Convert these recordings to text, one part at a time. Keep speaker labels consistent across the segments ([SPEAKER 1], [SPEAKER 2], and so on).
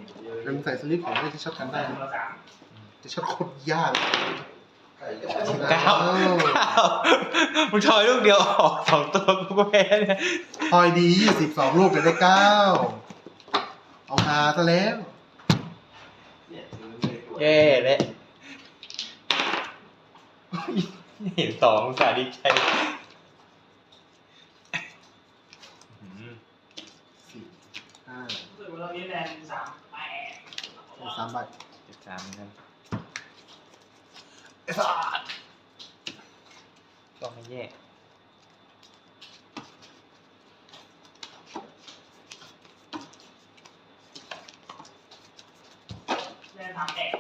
[SPEAKER 1] แล้วมึงใส่สลิปของที่ช็อตกันได้จะช็อตโคตรยาก
[SPEAKER 2] มึงทอยลูกเดียวออก2 ตัวกูก็แพ้เนี่ย
[SPEAKER 1] ทอยดี22 ลูกจะได้9เอาฮาซะแล้ว
[SPEAKER 2] เย่เลยเห็น2อุตส่าห์ดีใจ
[SPEAKER 3] รู้สึกว่าเรานี้แรง
[SPEAKER 1] 3 ใบ
[SPEAKER 2] 3นั่น
[SPEAKER 1] ไอ้สัส
[SPEAKER 2] ก็ไม่แย่
[SPEAKER 3] แรงทำแอก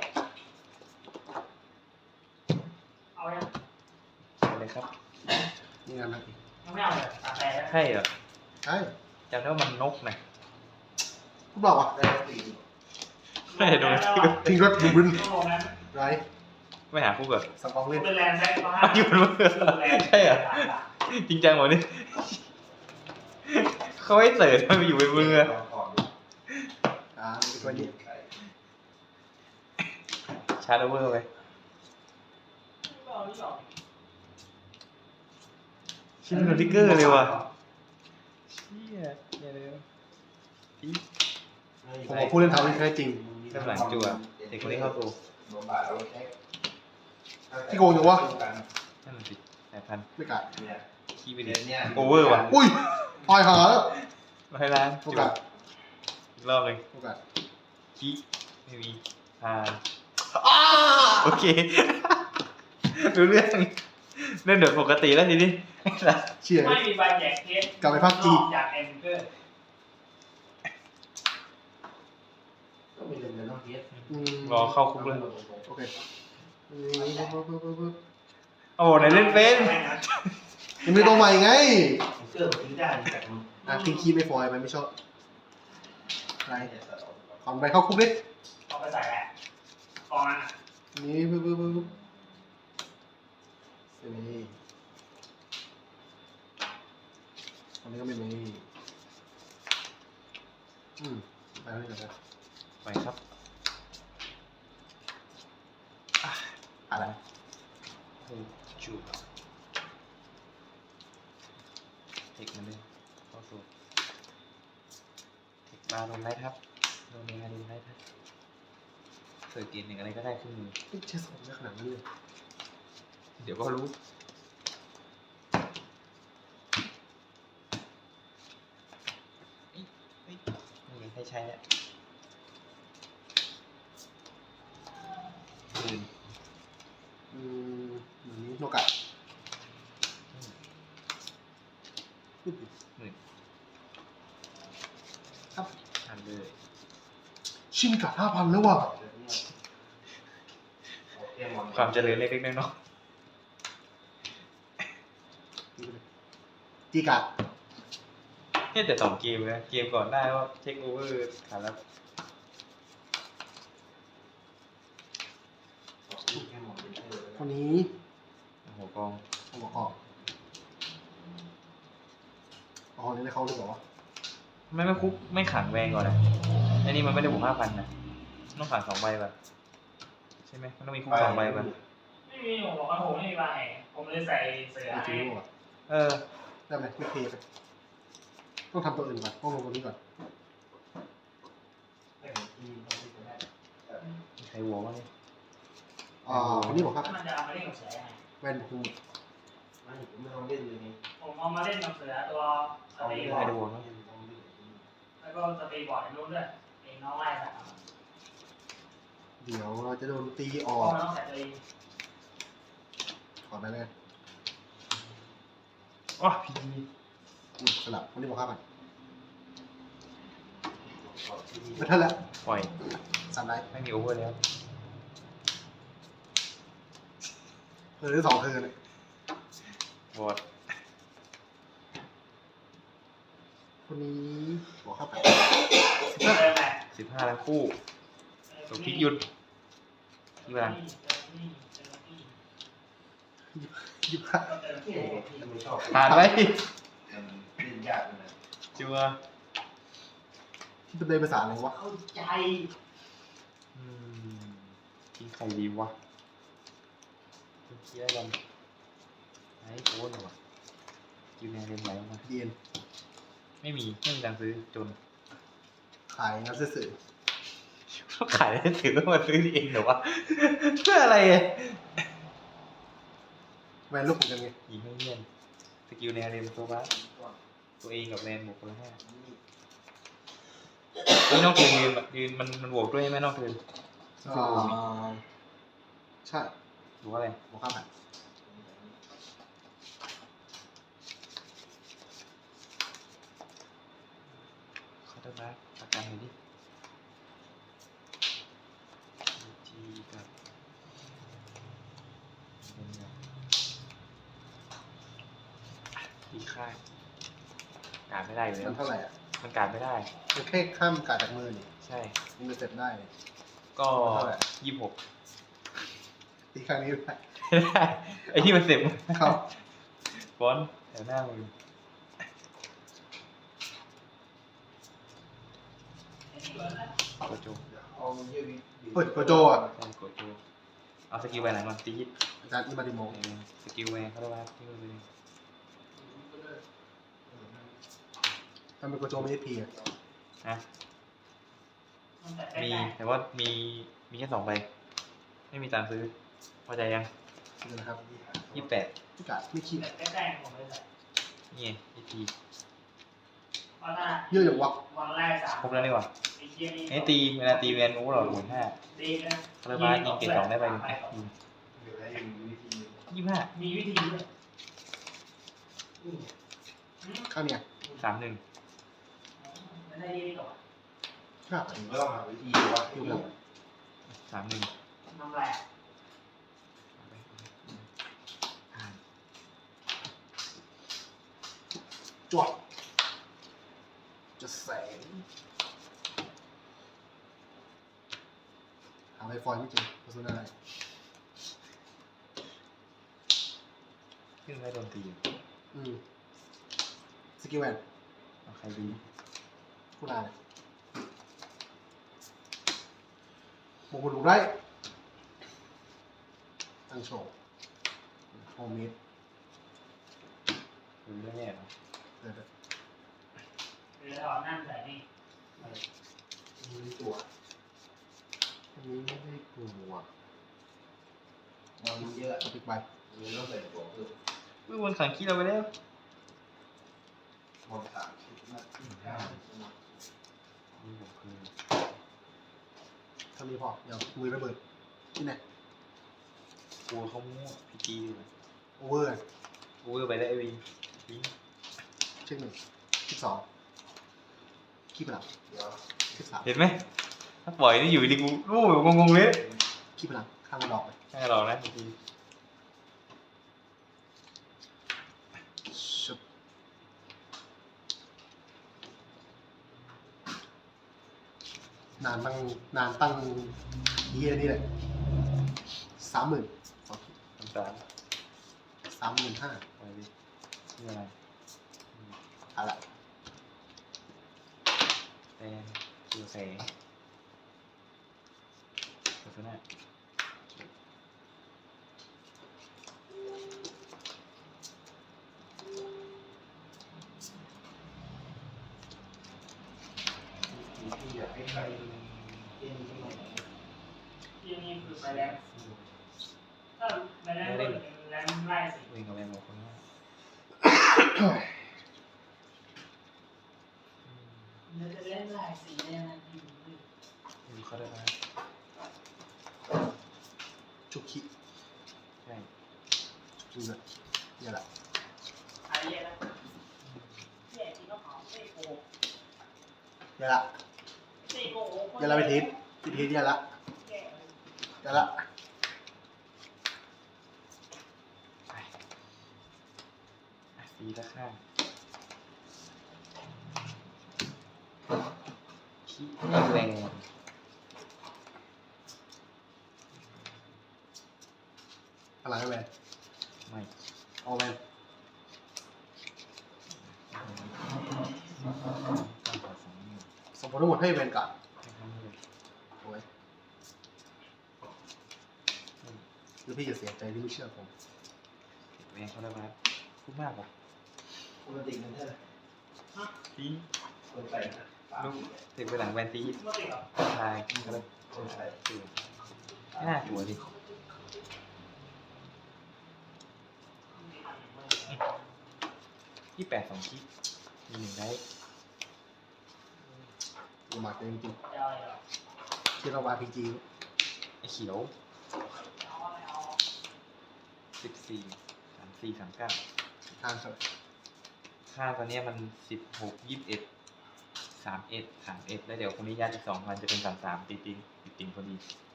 [SPEAKER 3] เอายัง
[SPEAKER 2] เลยครับ
[SPEAKER 1] นี่กันนะ
[SPEAKER 3] ยังไม่เอาเลยตาแปรแล้ว
[SPEAKER 2] ใช่เหรอ
[SPEAKER 1] ใช่
[SPEAKER 2] จำได้ว่ามันนกนะ
[SPEAKER 1] คุณบอกว่า
[SPEAKER 2] ไม่ได้ดู
[SPEAKER 1] ทิ้งรถดูบึนไร
[SPEAKER 2] ไม่หาคู่แบบ
[SPEAKER 1] สปองเล่น
[SPEAKER 3] เป็นแรงแท็ก
[SPEAKER 2] อยู่บนมือใช่เหรอจริงจังหมดนี่เขาให้เสิร์ชมันไปอยู่บนมือ
[SPEAKER 1] ตัวนี้
[SPEAKER 2] ชาร์จโอเวอร์ไปชิ้นโนติกเกอร์เลยว่ะเชี่ยอย่าเลย
[SPEAKER 1] ผมพูดเล่นเท้าที่แท้จริง
[SPEAKER 2] กำลังจั่วเด็กคนนี้เข้าตัว
[SPEAKER 1] ที่โกงอยู่วะ
[SPEAKER 2] นั่นสิ8,000
[SPEAKER 1] ไม่กัด
[SPEAKER 2] ขี้ไปดิโอเวอร์ว่ะ
[SPEAKER 1] อุ้ยพอยหาแล้ว
[SPEAKER 2] มาให้ร้านจั่วอีกรอบเลยขี้ไม่มีโอเครู้เรื่องเล่นเดือดปกติแล้วทีนี้
[SPEAKER 1] เชี่ย
[SPEAKER 3] ไม่มีใบแจกเคส
[SPEAKER 1] กลับไปพักจี
[SPEAKER 3] จากเอ็นเกอร์
[SPEAKER 2] รอเข้าคุกเลย
[SPEAKER 1] โอเค
[SPEAKER 2] โอ้ไหนเล่นเป็น
[SPEAKER 1] ยังไม่ตัวใหม่ไงทิ้งคีย์ไม่ฟอยมันไม่ชอบอะไรขอนไปเข้าคุกดิ
[SPEAKER 3] เอาไปใส่แหละกองนั้น
[SPEAKER 1] นี่ปึ๊บนี่อันนี้ก็ไม่มีไปนี่ก่อนนะ
[SPEAKER 2] ไปครับ
[SPEAKER 1] อะไร
[SPEAKER 2] จูบเทคมันเลยเข้าสู่เทคมาลงไลท์ครับลงในการลงไลท์ครับเสิร์ฟเกมหนึ่งอะไรก็ได้ขึ้นมือ
[SPEAKER 1] เช็คของไม่ขนาดนั้นเลย
[SPEAKER 2] เดี๋ยวก็รู้ไม่ให้ใช้แล้ว
[SPEAKER 1] นี้โนกะครับ
[SPEAKER 2] ทำเลย
[SPEAKER 1] ชิงกะ5,000แล้วว่ะ
[SPEAKER 2] ความเจริญเล็กๆน้อย
[SPEAKER 1] ๆจีกะ
[SPEAKER 2] เนี่ยแต่2 เกมนะเกมก่อนได้ว่าเทคโอเวอร์ขาดแล้ว
[SPEAKER 1] คนนี้
[SPEAKER 2] หัวกอง
[SPEAKER 1] นี่ได้เข้าหรือเปล่าวะ
[SPEAKER 2] ไม่คุกไม่ขังแวงก่อนนะอันนี้มันไม่ได้บวก 5,000 นะต้องขัง2 ใบป่ะใช่ไหมมันต้องมีคุก2 ใบป่ะ
[SPEAKER 3] ไม่มีผมบอกว่าผมไม่มีใบผมเลยใส่เสือ
[SPEAKER 1] ได้ไหมไม่เพย์ไปต้องทำตัวอื่นก่อนต้องลงตัวนี้ก่อน
[SPEAKER 2] ใครวัววะเนี่ย
[SPEAKER 1] คนนี้บอกครับ
[SPEAKER 3] มันจะเอามาเล่นกับเสือยังไง
[SPEAKER 1] แวนบุก
[SPEAKER 3] ไม่ลองเล่นเลยผมเอามาเล่นกับเสือตัวสตีบอร์ดแล้วก็สตีบอร์ดนู้นด้วยเองน้องไล่ใส่
[SPEAKER 1] เดี๋ยวเราจะโดนตีออก
[SPEAKER 3] น้องใส่ตัวเอง
[SPEAKER 1] ขอไปเลย
[SPEAKER 2] อ๋อพี
[SPEAKER 1] สลับคนนี้บอกครับไม่ทันแล้ว
[SPEAKER 2] ปล่อย
[SPEAKER 1] 3 ไลท์
[SPEAKER 2] ไม่มีโอเวอร์แล้ว
[SPEAKER 1] ได้2 เทิร์นเลย
[SPEAKER 2] บอด
[SPEAKER 1] คนนี้บอกครับ
[SPEAKER 2] 15 แล้วคู่ตัวพลิกหยุดที่บ้าน
[SPEAKER 1] 25
[SPEAKER 2] ผ่านไว้จัว
[SPEAKER 1] คิดเป็นภาษาอะไรวะ
[SPEAKER 3] เข้าใจ
[SPEAKER 2] อืมทิ้งใครดีวะทิ้งเคียร์กันไอ้โค้ดเหรอวะกิวแนเรียนไหลออกมา
[SPEAKER 1] เดียน
[SPEAKER 2] ไม่มีตังค์ซื้อจน
[SPEAKER 1] ขายงานสื่อ
[SPEAKER 2] ขายได้ถือว่ามาซื้อเองเหรอวะเพื่ออะไรอ่ะ
[SPEAKER 1] แวนลูกเหมือนกันไง
[SPEAKER 2] ยิงให้เงียนสกิลแนวเรียนตัวบ้าตัวเองกับแนนบวกคนละ5นี่นอกเทิร์นยืนมันบวกด้วยไหมนอกเทิร์น
[SPEAKER 1] ใช่
[SPEAKER 2] หรือว่าอะไร
[SPEAKER 1] บอกข้ามไป
[SPEAKER 2] เขาจะมาประกันหน่อยดิทีกับทีค่ายการไม่ได้อยู่แล้ว
[SPEAKER 1] มันเท่าไหร่อ่ะ
[SPEAKER 2] มันการไม่ได้
[SPEAKER 1] มันแค่ข้ามการจากมือนี่
[SPEAKER 2] ใช่
[SPEAKER 1] มันจะเสร็จได้
[SPEAKER 2] ก็
[SPEAKER 1] เท่าไหร่
[SPEAKER 2] 26
[SPEAKER 1] ตีครั้งนี้ได้
[SPEAKER 2] ได้ไอ้ที่มันเสร็จ
[SPEAKER 1] เข้า
[SPEAKER 2] ฟอนต์แถวหน้ามือ โกโจ
[SPEAKER 4] เอาเยี่ยวิ
[SPEAKER 1] เฮ้ยโกโจอ่ะ
[SPEAKER 2] ใช่โกโจเอาสกิลไปไหนมาตีฮิต
[SPEAKER 1] อาจารย์อิมาดิโม
[SPEAKER 2] สกิลไปเขาเรียกว่าที่มือเลย
[SPEAKER 1] ทำเป็นโกโจไม่ได้พีอ่ะ
[SPEAKER 2] นะ
[SPEAKER 3] มันแต่
[SPEAKER 2] มี
[SPEAKER 3] ได้
[SPEAKER 2] แต่ว่ามีแค่2 ใบไม่มีตังค์ซื้อพอใจยัง
[SPEAKER 1] นี่นะครับ
[SPEAKER 2] 28
[SPEAKER 1] พี่กาดไม่คิด
[SPEAKER 3] แต่ได้ผมเลยใส่
[SPEAKER 2] นี่ไงพี
[SPEAKER 3] เพราะถ้า
[SPEAKER 1] เยอะอย่างวะ
[SPEAKER 3] วันแรก3
[SPEAKER 2] ครบแล้วนี่หว่า
[SPEAKER 3] ไอ้เหี้ยนี่
[SPEAKER 2] ไอ้ตีเวลาตีแวนโอ้โหหลอด5
[SPEAKER 3] ดีนะ
[SPEAKER 2] คาราบาสยิงเกรด2ได้ไปหนึ่ง
[SPEAKER 4] เดี๋ยวให้วิธี
[SPEAKER 2] 25
[SPEAKER 3] มีวิธีด้วยอืม
[SPEAKER 1] ข้ามเนี่ย
[SPEAKER 2] 31
[SPEAKER 3] ไม่ได้ยี่ต่อ
[SPEAKER 1] ครับ
[SPEAKER 4] ผมก็ต้องหาวิธีว่า
[SPEAKER 1] อยู่กับ
[SPEAKER 2] 31
[SPEAKER 3] น้ำแร่
[SPEAKER 2] ผ่าน
[SPEAKER 1] จวดจะแสงหาไวฟอยไม่เจอโฆษณาอะไร
[SPEAKER 2] ขึ้นไม่โดนตี
[SPEAKER 1] สกิลแวน
[SPEAKER 2] เอาใครดี
[SPEAKER 1] ผู้ลาเลยโมกุลูได้ตั้งโชว์โฮมเมด
[SPEAKER 2] รู้เรื่องแน่เนาะ
[SPEAKER 1] เดี๋ยว
[SPEAKER 3] หรือเอานั่นใส่นี่
[SPEAKER 4] มีตัว
[SPEAKER 1] อันนี้ไม่ได้กลัว
[SPEAKER 4] มันเยอะ
[SPEAKER 1] สปิกใบ
[SPEAKER 4] มีต้องใส่ตัวเพิ่ม
[SPEAKER 2] อุ้ยวนขังขี้เราไปแล้ว
[SPEAKER 4] มองสามชุดนะ
[SPEAKER 2] นี่ผมคือ
[SPEAKER 1] เท่านี้พอเดี๋ยวมือระเบิดที่ไหน
[SPEAKER 2] กลัวเขามั่วพีจีเลย
[SPEAKER 1] โอเวอร์
[SPEAKER 2] กูไปได้ไอวินวิน
[SPEAKER 1] เช็คหนึ่งที่สองขี้พลัง
[SPEAKER 4] เดี๋ยว
[SPEAKER 1] ที่สาม
[SPEAKER 2] เห็นไหมถ้าปล่อยนี่อยู่ดีกูรู้แบบงงๆเลย
[SPEAKER 1] ขี้พลังข้างกระดอกเลย
[SPEAKER 2] ใช่เรานะพีจี
[SPEAKER 1] ชุบนานตั้งเยียนี่แหละ30,000
[SPEAKER 2] 3
[SPEAKER 1] 35,000
[SPEAKER 2] ปล่อยดินี่อะไร
[SPEAKER 1] อะไร
[SPEAKER 2] แดงตัวแสงลักษณะ
[SPEAKER 4] ที่อยากให้ใครเล่นที่ไหน
[SPEAKER 3] ที่นี่คือไปแล้วถ้าไปแล้วก็แล้วไล่สิ
[SPEAKER 2] วิ่งกับแรงบอกคนว่า
[SPEAKER 3] มันจะเล่นไล่สิเนี่ยนะที่
[SPEAKER 2] ดูเขาได้ไหม
[SPEAKER 1] ชุกขี้
[SPEAKER 2] ใช่
[SPEAKER 1] ชุกเลยเนี่ยแหละ
[SPEAKER 3] อะไรเนี่ยนะเนี่ยที่เขาหอมเซ่โก
[SPEAKER 1] เนี่ยละ
[SPEAKER 3] เซ่โก
[SPEAKER 1] เนี่ยละไปทิศเนี่ยละเนี่ยละ
[SPEAKER 2] ไปตีละข้างขี้แรง
[SPEAKER 1] พลังให้แวน
[SPEAKER 2] ไม่
[SPEAKER 1] เอาแวน
[SPEAKER 2] ตั้งแต่2 นิ้ว
[SPEAKER 1] 2 ส่งผลทั้งหมดให้แวนการ์ด
[SPEAKER 2] ให้ทำให้เลย
[SPEAKER 1] โอ้ยหรือพี่จะเสียใจที่ไม่เชื่อผม
[SPEAKER 2] เก็บแรงเขาได้ไหมพูดมากกว่า
[SPEAKER 4] ปกติมันเท่าไหร่
[SPEAKER 2] ตี
[SPEAKER 4] คนใส่นะ
[SPEAKER 2] ลูกถึงไปหลังแวนตี
[SPEAKER 3] ไม่ติดหรอ
[SPEAKER 2] ทายเขาเลย
[SPEAKER 4] คนใส่
[SPEAKER 2] ตื่นไม่น่ากลัวดิ28 2คิดมี1ได้
[SPEAKER 1] อุมาจริง
[SPEAKER 3] จะเอาอะไรหรอ
[SPEAKER 1] ๆที่เราวาพีจี
[SPEAKER 2] ไอ้เขียว 14 34 39
[SPEAKER 1] ทางเถอะ
[SPEAKER 2] ค่าตอนเนี้ยมัน16 21 31 31แล้วเดี๋ยวคนนี้ยัดอีก2,000จะเป็น33ติดติงพอดี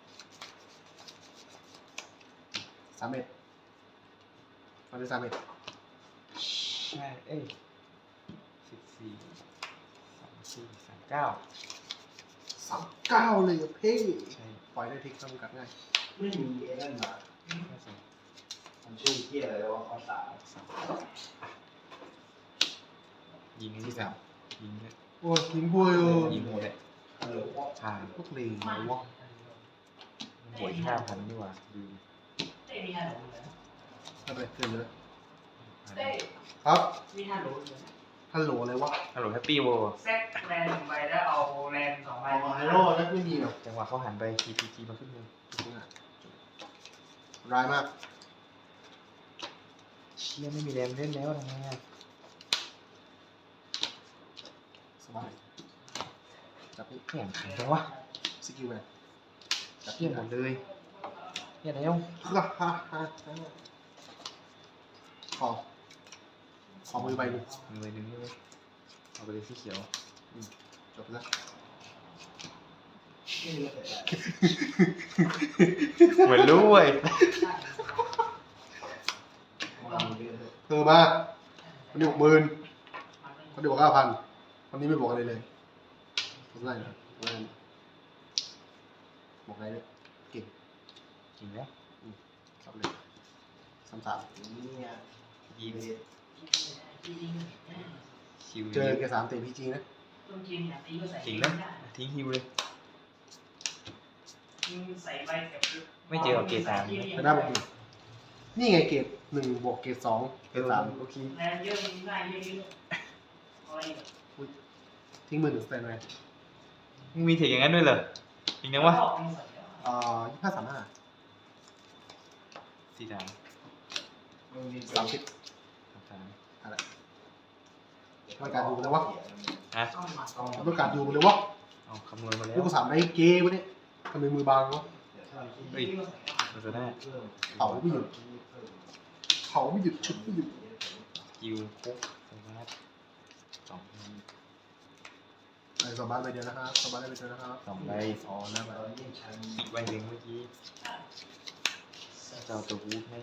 [SPEAKER 1] 31มันเป็น31
[SPEAKER 2] ใช่เอ้ย14 34 39
[SPEAKER 1] 39เลยอะเพ่
[SPEAKER 2] ใช่
[SPEAKER 1] ปล่อยได้ทิกทำกัดง่าย
[SPEAKER 4] ไม่มีไอ้นั่นมา
[SPEAKER 2] ไม่ใช่
[SPEAKER 4] มันชื่อเที่ยอะไรวะข้อสาม
[SPEAKER 2] ยิงไอ้ที่แบบยิงเลย
[SPEAKER 1] โอ้ยทิ้งบัวเลย
[SPEAKER 2] ยิงหมดเลย
[SPEAKER 4] ฮัลโหลว่า
[SPEAKER 2] ผ่าน
[SPEAKER 1] พวกเลงเลยวะ
[SPEAKER 2] มันบวก5,000ดีกว่าดู
[SPEAKER 3] เต้มีฮัลโหลเลย
[SPEAKER 1] ไม่เป็นไรเกินเลย
[SPEAKER 3] เต้
[SPEAKER 1] ครับ
[SPEAKER 3] มีฮัลโหลเลย
[SPEAKER 1] ฮัลโหลอะไรวะ
[SPEAKER 2] ฮัลโหลแฮปปี้โว
[SPEAKER 3] เซ็ตแลน1ใบแล้วเอาแลน2ใบ
[SPEAKER 1] เอาไฮโร่แล้วไม่มีหรอก
[SPEAKER 2] จังหวะเขาหันไป TPG มาขึ้นมือ
[SPEAKER 1] ร้ายมาก
[SPEAKER 2] เชี่ยไม่มีแรมเล่นแล้วทำไงอ่ะ
[SPEAKER 1] สบายจับนี่
[SPEAKER 2] แข่งขันจังวะ
[SPEAKER 1] สกิลแมนจับ
[SPEAKER 2] เชี่ยหมดเลยเชี่ยแล้ว
[SPEAKER 1] ฮ่าฮ่าฮ่าขอมือใบหนึ่ง
[SPEAKER 2] มีใบหนึ่งด้วยเอาไปเลยสีเขียว
[SPEAKER 1] จบแล้ว
[SPEAKER 4] ไม่รู้แต่
[SPEAKER 2] เหมือนรู้เว้ย
[SPEAKER 4] มันมีเยอะเลย
[SPEAKER 1] เธอมาคนนี้60,000คนนี้บอก5,000คนนี้ไม่บอกอะไรเลยบอกอะไรนะบอกอะไรเนี่ยเก่ง
[SPEAKER 2] จริงแล้ว
[SPEAKER 1] ครับเลย33
[SPEAKER 4] เนี่ย
[SPEAKER 2] ยิงคิว
[SPEAKER 1] เจอแก3เตะพีจีนะ
[SPEAKER 3] ต้นกินเนี่ยตีก็ใส่
[SPEAKER 2] จริงแล้วทิ้งฮิวเลย
[SPEAKER 3] ใส่ใบกับ
[SPEAKER 2] ไม่เจอกับเกรด 3
[SPEAKER 1] ไปได้บอกดีนี่ไงเกรด1บวกเกรด2เกรด3
[SPEAKER 2] โอเค
[SPEAKER 3] แลนเยอะง่ายเยอะอะไร
[SPEAKER 1] ทิ้งมือหนึ่งสแตนไว้
[SPEAKER 2] มึงมีเทคอย่างนั้นด้วยเหรอจริงนะวะ
[SPEAKER 1] 2535
[SPEAKER 2] 43
[SPEAKER 4] มันมี
[SPEAKER 1] 30
[SPEAKER 2] 33
[SPEAKER 1] อะไรต้องการดูเลยวะ
[SPEAKER 2] ฮะ
[SPEAKER 3] ต้องมา
[SPEAKER 1] ต้องการดูเลยวะ
[SPEAKER 2] เอาคำนวณมาแล้
[SPEAKER 1] ลู
[SPEAKER 2] ว
[SPEAKER 1] ก3ได้เกย์วะเนี่ยทำไมมือบางวะ
[SPEAKER 2] เฮ้ยมันจะได้
[SPEAKER 1] เผาไม่หยุดเผาไม่หยุดชุดไม่หยุด
[SPEAKER 2] กิวคุกสวัสด2
[SPEAKER 1] ไอ้สบายไปเดียวนะครับสบายไปเดียวนะครับ
[SPEAKER 2] 2ใบ
[SPEAKER 1] อ๋อแล้วไป
[SPEAKER 2] อีกใบหนึ่งเมื่อกี้เจ้าตัววูดให้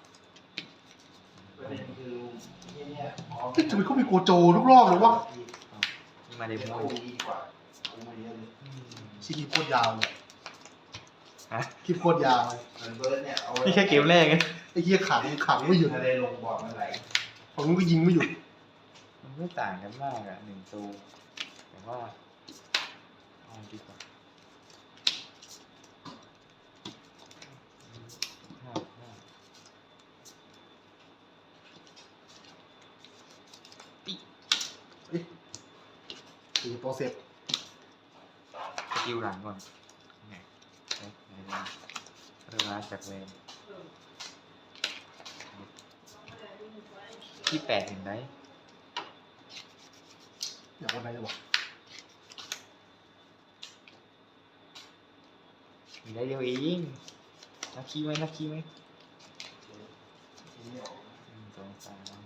[SPEAKER 4] ประเด็นคือเนี่ย
[SPEAKER 1] ทำไมเขามีโกโจทุกรอบเลยวะ
[SPEAKER 2] นี่มาเด
[SPEAKER 4] เดี๋ยว
[SPEAKER 2] โม
[SPEAKER 4] กูดีกว่ากูมาเยอะเลย
[SPEAKER 1] ชิคกี้โคตรยาวเลย
[SPEAKER 2] ฮะ
[SPEAKER 1] คลิปโคตรยาวเลย
[SPEAKER 4] เหมือนเบิร์ดเนี่ยเอา
[SPEAKER 2] นี่แค่เกมแรกไง
[SPEAKER 1] ไอ้เหี้ยขังไม่หยุด
[SPEAKER 4] อะไรลงบอร์ดมันไหล
[SPEAKER 1] ผมก็ยิงไม่หยุด
[SPEAKER 2] มันไม่ต่างกันมากอ่ะ1ตัวแต่ว่าเอาดีกว่าห้า
[SPEAKER 1] เอ๊ะตีโปรเซส
[SPEAKER 2] สกิลหลังก่อนไงเอ๊ะไหนนะเริ่มมาจากเวรที่8เห็นไหม
[SPEAKER 1] อยากวันไหนจะบอก
[SPEAKER 2] มีได้เดียวเองนับคีย์ไหมนับคีย์ไหม 1 2 3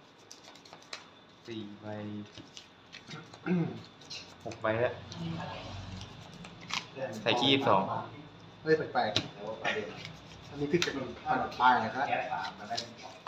[SPEAKER 2] 4 ใบ 6 ใบแล้ว ใส่ขี้22
[SPEAKER 1] เฮ้ยแปลก
[SPEAKER 4] แต่ว่าประเด็น
[SPEAKER 1] ๆอันนี้พี่จะเป็นปลายนะครับ
[SPEAKER 4] แค่สามมาได้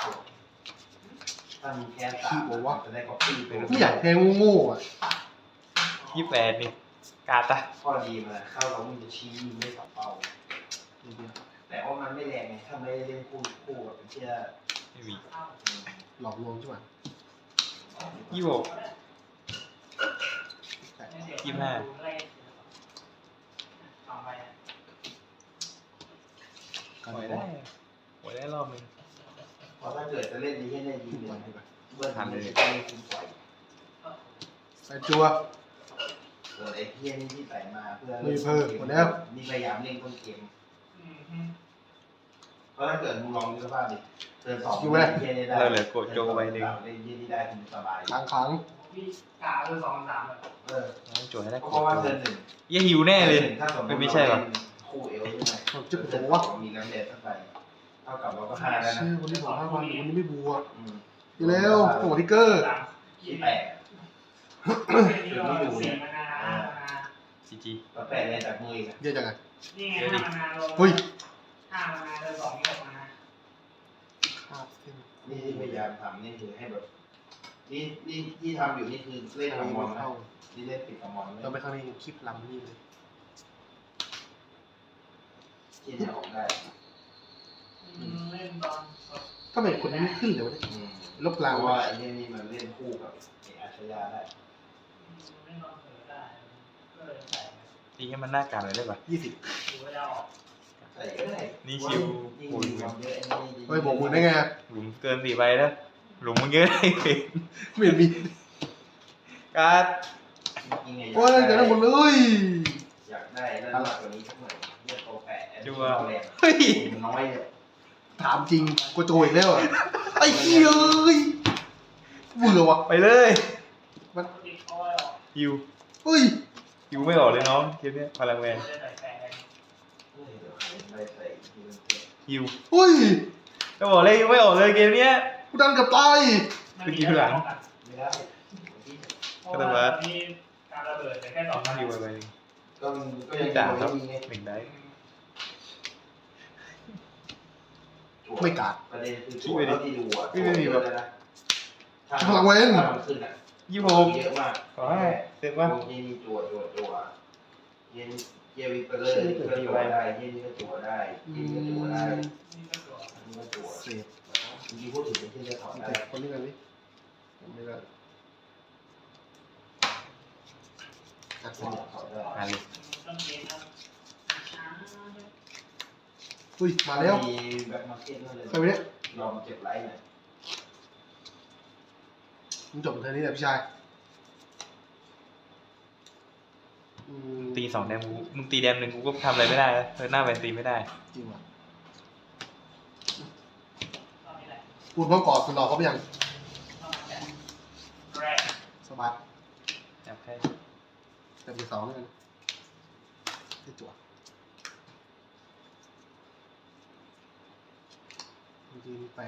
[SPEAKER 4] ถ้ามีแค่สามจะได้ก๊อปปี้ไป
[SPEAKER 1] ไม่อยากแทงโง่ๆอ่ะ
[SPEAKER 2] 28นี่กาตะ
[SPEAKER 4] ข้อดีมันเข้าเรามึงจะชี้ไม่สับเป้า แต่ว่ามันไม่แรงไงถ้าไม่ได้เล่นคู่กับเป็นเชื่อ
[SPEAKER 2] ไม่มี
[SPEAKER 1] หลอกลวงใช่ไหม
[SPEAKER 2] 26
[SPEAKER 1] แต่
[SPEAKER 3] ไม่เสียสองใบ
[SPEAKER 1] กัน
[SPEAKER 2] ปล่อย
[SPEAKER 1] บอ
[SPEAKER 2] ได้
[SPEAKER 1] ล
[SPEAKER 2] ปล่อยได้รอบนึง
[SPEAKER 4] เพราะถ้าเกิดจะเล่นดีแค่ได้ดี
[SPEAKER 1] ขึ้น
[SPEAKER 4] เล
[SPEAKER 1] ไป
[SPEAKER 4] ย
[SPEAKER 1] ดีกว่า
[SPEAKER 4] เบิ้ลทันเลยต้องคุณปล่อย
[SPEAKER 1] ใส่จัว
[SPEAKER 4] ส่วนไอ้เพี้ยนี่ที่ใส่มาเพื่อ
[SPEAKER 1] มีเพิ่มหมดแล้ว
[SPEAKER 4] นี่พยายามเล่นต้นเกมเพราะถ้าเกิดมึงลองดูสภาพดิเทิร์นสองเพี้ยนี่ได้เล่นเยี่นี่ได้คุณสบาย
[SPEAKER 1] ขัง
[SPEAKER 3] พี่กาคือ2-3แบบ
[SPEAKER 2] ต้องโจทย์ให้ได้
[SPEAKER 4] เพ
[SPEAKER 2] กด
[SPEAKER 4] ราะว่า
[SPEAKER 2] โจ
[SPEAKER 4] เทิร์
[SPEAKER 2] ท
[SPEAKER 4] น
[SPEAKER 2] ย์
[SPEAKER 4] หนึ่ง
[SPEAKER 2] เหี้ยหิวแน่เลย
[SPEAKER 4] ถ้าสมมติ
[SPEAKER 2] ไม่ใช่หรอ
[SPEAKER 4] คู่เอลใช่ไหม
[SPEAKER 1] ผมจะ
[SPEAKER 4] เทิ
[SPEAKER 1] บ
[SPEAKER 4] ร์
[SPEAKER 1] อน กว่า
[SPEAKER 4] สองมีน้ำเด็ดเข้าไปเท่ากับเราก็ห้าแล้วนะ
[SPEAKER 1] ชื่อวันนี้บอก5 วันวันนี้ไม่บวก
[SPEAKER 4] อืม
[SPEAKER 1] ดีแล้วหัวทิกเกอร์
[SPEAKER 4] ที่แปด
[SPEAKER 3] นี่เรา4 มานา
[SPEAKER 2] ซีจี
[SPEAKER 4] แล้วแปดเลยจากมืออีก
[SPEAKER 1] เยอะจังไง
[SPEAKER 3] นี่ไง5 มานาลง
[SPEAKER 1] เฮ้ย
[SPEAKER 3] 5 มานาเดิน2นี่6 มานา
[SPEAKER 1] คาบเส้น
[SPEAKER 4] นี่ที่พยายามทำนี่คือให้แบบนี่ที่ทำอยู่นี่คือเล่น
[SPEAKER 1] เข้า
[SPEAKER 4] กับมอนนะ
[SPEAKER 1] เข้า
[SPEAKER 4] นี่เล่นปิดกับมอนเลย
[SPEAKER 1] เราไปข้างในคลิปลำนี่เลย
[SPEAKER 4] ที่จะออกได้
[SPEAKER 3] เล่นตอนสด
[SPEAKER 1] ก็เป็นคนนี้ไม่ขึ้นเลยวะเนี่ย
[SPEAKER 4] อืม
[SPEAKER 1] ลบ
[SPEAKER 4] เพ
[SPEAKER 1] ลาง
[SPEAKER 4] ราะว่าไอ้นี่มันเล่นคู่กับไอ้อาชญาได้
[SPEAKER 3] เล่นตอนเผลอได้ก็เลยใส่
[SPEAKER 2] ตีให้มันหน้าการเลยได้ป่ะ
[SPEAKER 1] 20
[SPEAKER 3] ดูว่าจะออก
[SPEAKER 4] ใส่ก็ได้
[SPEAKER 2] นี่ชิว
[SPEAKER 4] ยิ่งมีความเยอะไอ้นี่
[SPEAKER 1] เฮ้ยบอกมึงได้ไง
[SPEAKER 2] หลุมเกิน4ใบแล้วหลุมมึงเยอะได้เลย
[SPEAKER 1] ไม่เห็นมี
[SPEAKER 2] การ์ด
[SPEAKER 4] ยิ่งไง
[SPEAKER 1] โอ้ยเกิดได้หมดเลย
[SPEAKER 4] อยากได้แล้วมากกว่านี้สักหน่อยเรียกโตแปะแรง
[SPEAKER 1] เฮ้ย
[SPEAKER 4] มันน้อยเลย
[SPEAKER 1] ถามจริงกูโจอีกแล้วอ่ะไอ้เหี้ยเอ้ยเบื่อว่ะ
[SPEAKER 2] ไปเลย
[SPEAKER 1] มัน
[SPEAKER 3] ติดเอาไว้ออก
[SPEAKER 2] ฮิว
[SPEAKER 1] เฮ้ย
[SPEAKER 2] ฮิวไม่ออกเลยน้องเกมเนี้ยพลังแมน
[SPEAKER 3] จะใส่แปะ
[SPEAKER 4] เฮ้ยเดี๋ยวใส่ใส่ทีมันเจ็บ
[SPEAKER 2] ฮิว
[SPEAKER 1] เฮ้ย
[SPEAKER 2] ก็บอกเลยฮิวไม่ออกเลยเกมเนี้ย
[SPEAKER 1] กูดันกับตาย
[SPEAKER 4] ไม่ได้
[SPEAKER 3] เพราะว่ามีการระเบิดแต่แค่2
[SPEAKER 2] ฮิวไปหนึ่ง
[SPEAKER 4] ก็มันก็ยัง
[SPEAKER 2] ด่าครับ
[SPEAKER 4] ไม่มีไง
[SPEAKER 2] หนึ่งได้
[SPEAKER 1] ไม่กาด
[SPEAKER 4] ประเด็นคือช่วยเท่าที่ดูอ่ะ
[SPEAKER 2] ไม่มีแบบ
[SPEAKER 4] ถ้า
[SPEAKER 1] พลังเว้น
[SPEAKER 4] ถ้ามันขึ้นอ่ะ
[SPEAKER 2] 26
[SPEAKER 4] เยอะมาก
[SPEAKER 2] ขอให้เสร็จป่ะ
[SPEAKER 4] พวกนี้จั่วเย็นเยวิปเลอร์ก็จั่วได้เย็นนี่ก็จั่วได้เย็นนี่ก็จั่วได้
[SPEAKER 3] นี่ก็ตัว
[SPEAKER 4] อันนี้ก็จั่ว
[SPEAKER 1] เสพ
[SPEAKER 4] จริงๆพูดถึงเป็นที่จะถอนได้
[SPEAKER 1] แต่คนนี้กันนี่ไม่ได้อ่ะ
[SPEAKER 4] ถอนได้
[SPEAKER 2] มาเลย
[SPEAKER 3] ต้องเกณฑ์นะช้า
[SPEAKER 1] อุ้ยมาแล้ว
[SPEAKER 4] มีแบ็คมาร์เก็ตนั่นเลย
[SPEAKER 1] ใครไปเนี่ย
[SPEAKER 4] ยอมเจ็บไลท์หน่อย
[SPEAKER 1] มึงจบเธอนี่แหละพี่ชาย
[SPEAKER 2] ตี 2 แดมกูมึงตีแดมหนึ่งกูก็ทำอะไรไม่ได้แล้วเธอหน้าแบนตีไม่ได้
[SPEAKER 1] จริงว่ะ
[SPEAKER 3] ตอนนี้แหละ
[SPEAKER 1] พูดพร้อมกอดคุณรอเขาไปยัง
[SPEAKER 3] ต้องมาแกะแรก
[SPEAKER 1] สบัด
[SPEAKER 2] อยากให้
[SPEAKER 1] แต่มี2นี่กันที่จั่วจริง8,000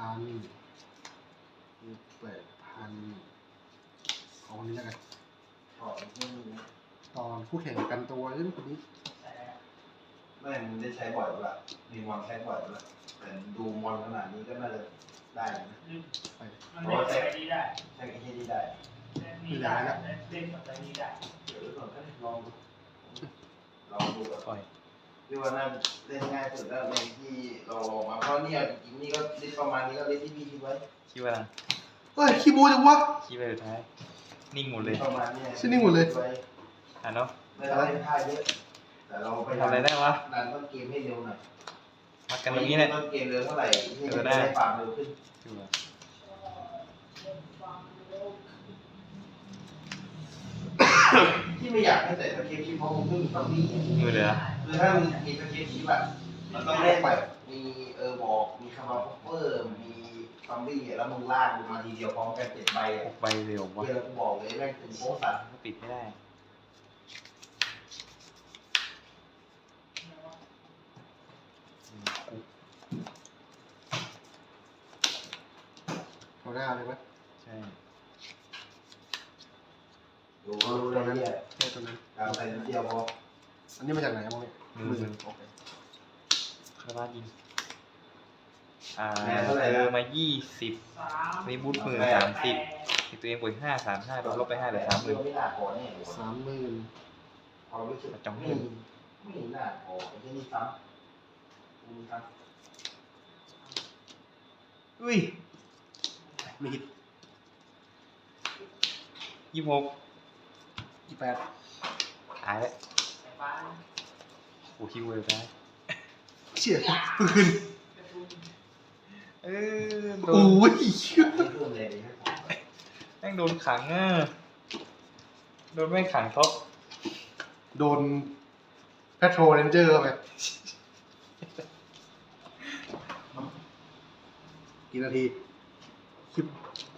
[SPEAKER 1] เอาคนนี้แล้วกัน
[SPEAKER 4] ถอนที่นี่นะ
[SPEAKER 1] ตอนคู่แข่งกันตัวเอ้ยคนนี้
[SPEAKER 3] ใส่ได้
[SPEAKER 4] ไม่มันได้ใช้บ่อยละมีมอนใช้บ่อยละแต่ดูมอนขนาดนี้ก็น่าจะได้นะ
[SPEAKER 1] ไป
[SPEAKER 3] มันเล่นไปนี้ได้
[SPEAKER 4] ใช้ไอ้ที่นี่ได้
[SPEAKER 3] เล่นนี้ได้เล่นแบบนี้ได้
[SPEAKER 4] เดี๋ยวก่อนก็ลองดูลองดูก่อน
[SPEAKER 2] ปล่อย
[SPEAKER 4] พี่ว่าน่าเล่นง่ายสุดแล้วในที่เราลองมาเพราะเนี่ยจริงๆนี่ก็ลิสต์ประมาณนี้ก็ลิสต์ที่พี่คิดไว้
[SPEAKER 2] คิดว่า
[SPEAKER 1] เฮ้ยขี้โม้จังวะ
[SPEAKER 2] คิดไปสุดท้ายนิ่งหมดเลย
[SPEAKER 4] ประมาณเนี้ย
[SPEAKER 1] ชื่อนี่หมดเลย
[SPEAKER 2] อ่ะเนาะ
[SPEAKER 4] ไม่ต้องเล่นท่าเยอะแต่เราไป
[SPEAKER 2] ทำอะไรได้วะ
[SPEAKER 4] ดันต้นเกมให้เร็วหน่อย
[SPEAKER 2] มัดกันตรงนี้เนี่ย
[SPEAKER 4] ต้นเกมเร็วเท่าไหร่ที่จะ
[SPEAKER 2] ได้
[SPEAKER 4] ได้ฟาร์มเร็วขึ้น
[SPEAKER 2] ดูอ่ะ
[SPEAKER 4] ที่ไม่อยากให้ใส่สเก็ตชิปเพราะผมเพิ่งมีซอมบี้
[SPEAKER 2] มือเหลือ
[SPEAKER 4] คือถ้ามันมีสเก็ตชิปแบบมันต้องเล่นแบบมีบอกมีคาร์บอนเปอร์มีซอมบี้แล้วมึงลากมึงมาทีเดียวพร้อมกัน7 ใบอ่ะ
[SPEAKER 2] 6 ใบเร็ววะ
[SPEAKER 4] เดี๋ยวกูบอกเลยแม่งถึงโป๊ะสัตว์
[SPEAKER 2] ก็ปิดไม่ได้อืมกู
[SPEAKER 1] เอาหน้าเลยไหม
[SPEAKER 2] ใช่
[SPEAKER 4] ดูเลยเนี่ย
[SPEAKER 1] แค่ตัวนั้น
[SPEAKER 4] การใส่นิดเดียวพอ
[SPEAKER 1] อันนี้มาจากไหนอะมองเนี่ย
[SPEAKER 2] มือ
[SPEAKER 1] โอเค
[SPEAKER 2] คาราบายิง
[SPEAKER 4] แม่เท่าไหร่
[SPEAKER 2] เจ
[SPEAKER 4] นะ
[SPEAKER 2] อมา20มีบูทมือ30มีตัวเองบวก5 35โดนลบไป5เหลือ
[SPEAKER 4] ไม่น่าพอแน่เลย
[SPEAKER 1] 30,000
[SPEAKER 4] พอรู้สึก
[SPEAKER 2] จ้อง
[SPEAKER 4] ไม่
[SPEAKER 2] ให้
[SPEAKER 4] ไม่น่าพอไอ้ที่นี่ซ้ำมีซ้
[SPEAKER 2] อุ้ย
[SPEAKER 1] มีฮิต
[SPEAKER 2] 26
[SPEAKER 1] 28
[SPEAKER 2] หายแล้ว
[SPEAKER 3] ไฟฟ้า
[SPEAKER 2] โอ้คิวเลยนะ
[SPEAKER 1] เชี่ยเพิ่งขึ้น
[SPEAKER 2] เออโด
[SPEAKER 1] โอ้
[SPEAKER 2] น
[SPEAKER 1] ย
[SPEAKER 4] ไม่เพิ่มเลยนะ
[SPEAKER 2] แม่งโดนขังอ่ะโดนแม่งขังท็อป
[SPEAKER 1] โดนแพทโรเรนเจอร์เข้าไปกี่นาที